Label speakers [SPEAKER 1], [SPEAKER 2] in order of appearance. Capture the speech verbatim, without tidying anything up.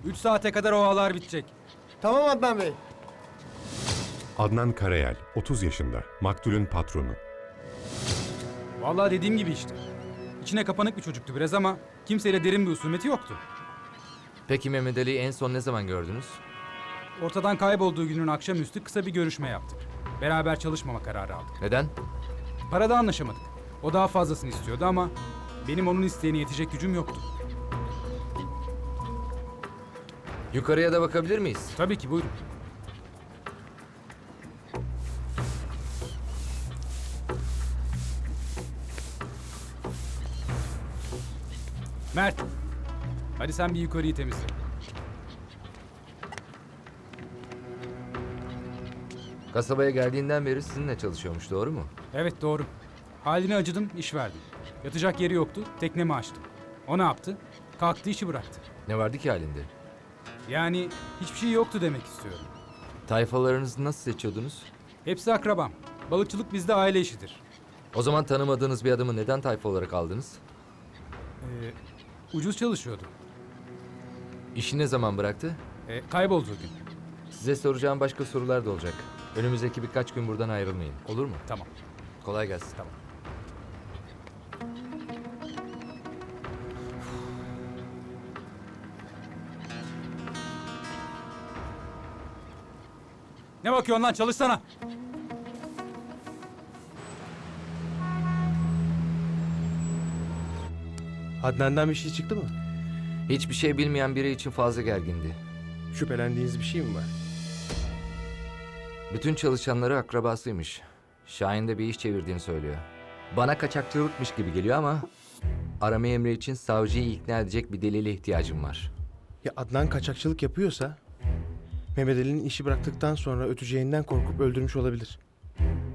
[SPEAKER 1] Üç saate kadar o ağlar bitecek.
[SPEAKER 2] Tamam Adnan Bey.
[SPEAKER 3] Adnan Karayel, otuz yaşında, maktulün patronu.
[SPEAKER 1] Vallahi dediğim gibi işte. İçine kapanık bir çocuktu biraz ama kimseyle derin bir husumeti yoktu.
[SPEAKER 4] Peki Mehmet Ali'yi en son ne zaman gördünüz?
[SPEAKER 1] Ortadan kaybolduğu günün akşamüstü kısa bir görüşme yaptık. Beraber çalışmama kararı aldık.
[SPEAKER 4] Neden?
[SPEAKER 1] Parada anlaşamadık. O daha fazlasını istiyordu ama benim onun isteğine yetecek gücüm yoktu.
[SPEAKER 4] Yukarıya da bakabilir miyiz?
[SPEAKER 1] Tabii ki, buyurun. Mert, hadi sen bir yukarıyı temizle.
[SPEAKER 4] Kasabaya geldiğinden beri sizinle çalışıyormuş, doğru mu?
[SPEAKER 1] Evet, doğru. Haline acıdım, iş verdim. Yatacak yeri yoktu, teknemi açtım. O ne yaptı? Kalktı, işi bıraktı.
[SPEAKER 4] Ne vardı ki halinde?
[SPEAKER 1] Yani hiçbir şey yoktu demek istiyorum.
[SPEAKER 4] Tayfalarınızı nasıl seçiyordunuz?
[SPEAKER 1] Hepsi akrabam. Balıkçılık bizde aile işidir.
[SPEAKER 4] O zaman tanımadığınız bir adamı neden tayfa olarak aldınız?
[SPEAKER 1] Ee, ucuz çalışıyordu.
[SPEAKER 4] İşi ne zaman bıraktı?
[SPEAKER 1] Ee, kaybolduğu gün.
[SPEAKER 4] Size soracağım başka sorular da olacak. Önümüzdeki birkaç gün buradan ayrılmayın. Olur mu?
[SPEAKER 1] Tamam.
[SPEAKER 4] Kolay gelsin.
[SPEAKER 1] Tamam. Ne bakıyorsun lan? Çalışsana.
[SPEAKER 2] Adnan'dan bir şey çıktı mı?
[SPEAKER 4] Hiçbir şey bilmeyen biri için fazla gergindi.
[SPEAKER 2] Şüphelendiğiniz bir şey mi var?
[SPEAKER 4] Bütün çalışanları akrabasıymış. Şahin de bir iş çevirdiğini söylüyor. Bana kaçakçılıkmış gibi geliyor ama... arama emri için savcıyı ikna edecek bir delile ihtiyacım var.
[SPEAKER 2] Ya Adnan kaçakçılık yapıyorsa... Mehmet Ali'nin işi bıraktıktan sonra öteceğinden korkup öldürmüş olabilir.